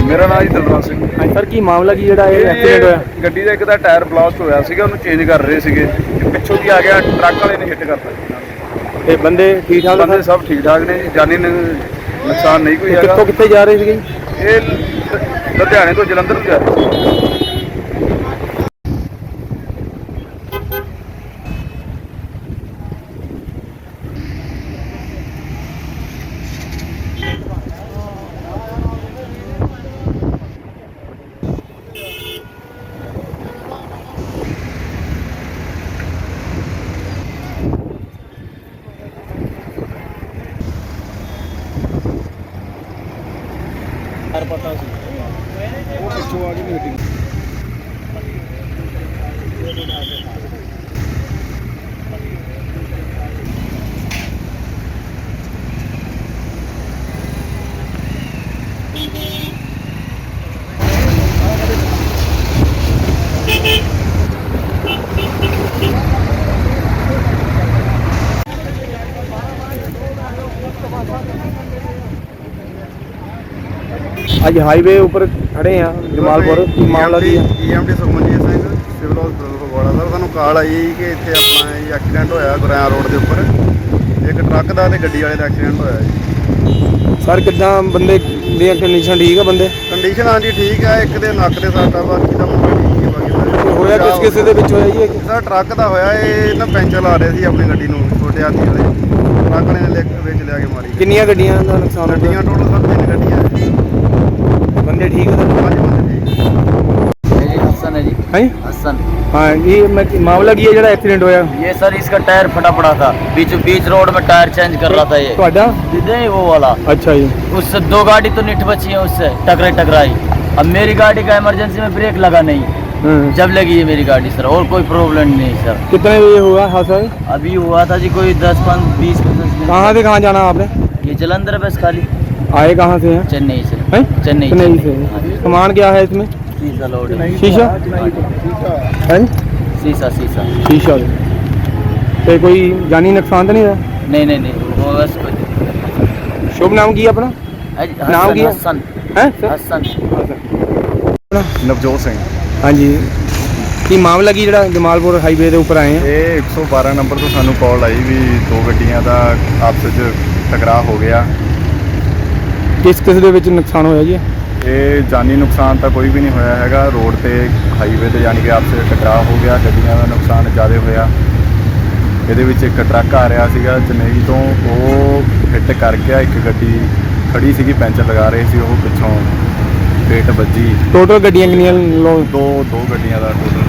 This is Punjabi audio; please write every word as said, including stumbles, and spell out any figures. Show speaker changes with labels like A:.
A: ਮੇਰਾ ਨਾਮ ਜੀ ਦਿਲਰਾਜ ਸਿੰਘ।
B: ਹਾਂਜੀ ਸਰ, ਕੀ ਮਾਮਲਾ ਕੀ ਜਿਹੜਾ ਇਹ ਐਕਸੀਡੈਂਟ ਹੋਇਆ?
A: ਗੱਡੀ ਦਾ ਇੱਕ ਦਾ ਟਾਇਰ ਬਲਾਸਟ ਹੋਇਆ ਸੀਗਾ, ਉਹਨੂੰ ਚੇਂਜ ਕਰ ਰਹੇ ਸੀਗੇ, ਪਿੱਛੋਂ ਦੀ ਆ ਗਿਆ ਟਰੱਕ ਵਾਲੇ ਨੇ ਹਿੱਟ ਕਰਤਾ।
B: ਤੇ ਬੰਦੇ ਠੀਕ ਠਾਕ?
A: ਬੰਦੇ ਸਭ ਠੀਕ ਠਾਕ ਨੇ ਜੀ, ਜਾਨੀ ਨੁਕਸਾਨ ਨਹੀਂ ਕੋਈ ਹੈਗਾ।
B: ਕਿੱਥੋਂ ਕਿੱਥੇ ਜਾ ਰਹੇ ਸੀਗੇ?
A: ਇਹ ਲੁਧਿਆਣੇ ਤੋਂ ਜਲੰਧਰ ਨੂੰ ਜਾ ਰਹੇ ਸੀ। पता सी वो पिछों आ गई मीटिंग।
B: ਅੱਜ ਹਾਈਵੇ ਉੱਪਰ ਖੜੇ ਆ ਜਮਾਲਪੁਰ, ਕੀ ਮਾਮਲਾ ਕੀ ਹੈ?
C: EMD Sukhmanjit Singh civil hospital Phagwara. Sir ਸਾਨੂੰ ਕਾਲ ਆਈ ਕਿ ਇੱਥੇ ਆਪਣਾ ਇਹ ਐਕਸੀਡੈਂਟ ਹੋਇਆ ਗੁਰਿਆਂ ਰੋਡ ਦੇ ਉੱਪਰ, ਇੱਕ ਟਰੱਕ ਦਾ ਤੇ ਗੱਡੀ ਵਾਲੇ ਦਾ ਐਕਸੀਡੈਂਟ ਹੋਇਆ ਜੀ।
B: ਸਰ ਕਿੱਦਾਂ ਬੰਦੇ ਦੀ ਕੰਡੀਸ਼ਨ ਠੀਕ ਆ? ਬੰਦੇ
C: ਕੰਡੀਸ਼ਨ ਹਾਂਜੀ ਠੀਕ ਹੈ, ਇੱਕ ਦੇ ਨੱਕ ਦੇ ਸੱਟ ਆ, ਬਾਕੀ ਦਾ ਮੁੰਡਾ ਠੀਕ ਹੈ। ਬਾਕੀ
B: ਹੋਇਆ ਕਿਸ ਕਿਸੇ ਦੇ ਵਿੱਚ ਹੋਇਆ ਜੀ?
C: ਸਰ ਟਰੱਕ ਦਾ ਹੋਇਆ, ਇਹ ਨਾ ਪੈਂਚਰ ਲਾ ਰਹੇ ਸੀ ਆਪਣੀ ਗੱਡੀ ਨੂੰ, ਛੋਟੇ ਹਾਥੀ ਵਾਲੇ ਟਰੱਕ ਵਾਲੇ ਨੇ ਵਿੱਚ ਲਿਆ ਕੇ ਮਾਰੀ।
B: ਕਿੰਨੀਆਂ ਗੱਡੀਆਂ ਦਾ ਨੁਕਸਾਨ ਹੋਇਆ?
C: ਗੱਡੀਆਂ ਟੋਟਲ ਸਰ ਤਿੰਨ ਗੱਡੀਆਂ
B: ਬੰਦੇ ਠੀਕ ਹੈ?
C: ਪੰਜ ਬੰਦੇ ਠੀਕ।
D: हसन है जी।
B: है
D: हसन।
B: हाँ, ये मामला की है जरा एक्सीडेंट होया?
D: ये सर इसका टायर फटा पड़ा था, बीच बीच रोड में टायर चेंज कर रहा था ये।
B: ਤੁਹਾਡਾ?
D: नहीं वो वाला।
B: अच्छा जी।
D: उससे दो गाड़ी तो निठ बची है, उससे टकराई टकराई। अब मेरी गाड़ी का इमरजेंसी में ब्रेक लगा नहीं, जब लगी है मेरी गाड़ी सर, और कोई प्रॉब्लम नहीं सर।
B: कितने बजे हुआ हादसा?
D: अभी हुआ था जी कोई दस पाँच बीस पचास।
B: कहाँ से कहाँ जाना आपने?
D: ये जलंधर बस खाली।
B: आए कहाँ से हैं?
D: चेन्नई से।
B: हैं?
D: चेन्नई
B: चेन्नई से। सामान क्या है इसमें?
D: शीशा लोड है।
B: शीशा है?
D: शीशा शीशा
B: शीशा। तो कोई जानी नुकसान तो नहीं है?
D: नहीं नहीं नहीं वो बस कोई।
B: शुभ नाम की अपना? नाम की?
D: हसन
B: है
D: हसन।
C: ਨਵਜੋਤ ਸਿੰਘ।
B: हाँ जी, ਕੀ ਮਾਮਲਾ ਕੀ ਜਿਹੜਾ ਜਮਾਲਪੁਰ ਹਾਈਵੇ ਦੇ ਉੱਪਰ ਆਏ ਆ?
C: ਇਹ ਇੱਕ ਸੌ ਬਾਰਾਂ ਨੰਬਰ ਤੋਂ ਸਾਨੂੰ ਕਾਲ ਆਈ ਵੀ ਦੋ ਗੱਡੀਆਂ ਦਾ ਆਪਸ ਵਿੱਚ ਟਕਰਾਅ ਹੋ ਗਿਆ।
B: ਕਿਸ ਕਿਸ ਦੇ ਵਿੱਚ ਨੁਕਸਾਨ ਹੋਇਆ ਜੀ?
C: ਇਹ ਜਾਨੀ ਨੁਕਸਾਨ ਤਾਂ ਕੋਈ ਵੀ ਨਹੀਂ ਹੋਇਆ ਹੈਗਾ, ਰੋਡ ਤੇ ਹਾਈਵੇ ਤੇ ਯਾਨੀ ਕਿ ਆਪਸ ਵਿੱਚ ਟਕਰਾਅ ਹੋ ਗਿਆ। ਗੱਡੀਆਂ ਦਾ ਨੁਕਸਾਨ ਜ਼ਿਆਦਾ ਹੋਇਆ। ਇਹਦੇ ਵਿੱਚ ਇੱਕ ਟਰੱਕ ਆ ਰਿਹਾ ਸੀਗਾ ਚੇਨਈ ਤੋਂ, ਉਹ ਹਿੱਟ ਕਰ ਗਿਆ। ਇੱਕ ਗੱਡੀ ਖੜੀ ਸੀਗੀ ਪੈਂਚਰ ਲਗਾ ਰਹੀ ਸੀ, ਉਹ ਪਿੱਛੋਂ ਫੇਟ ਵੱਜੀ।
B: ਟੋਟਲ ਗੱਡੀਆਂ ਕਿੰਨੀਆਂ?
C: ਦੋ ਦੋ ਗੱਡੀਆਂ ਦਾ ਟੋਟਲ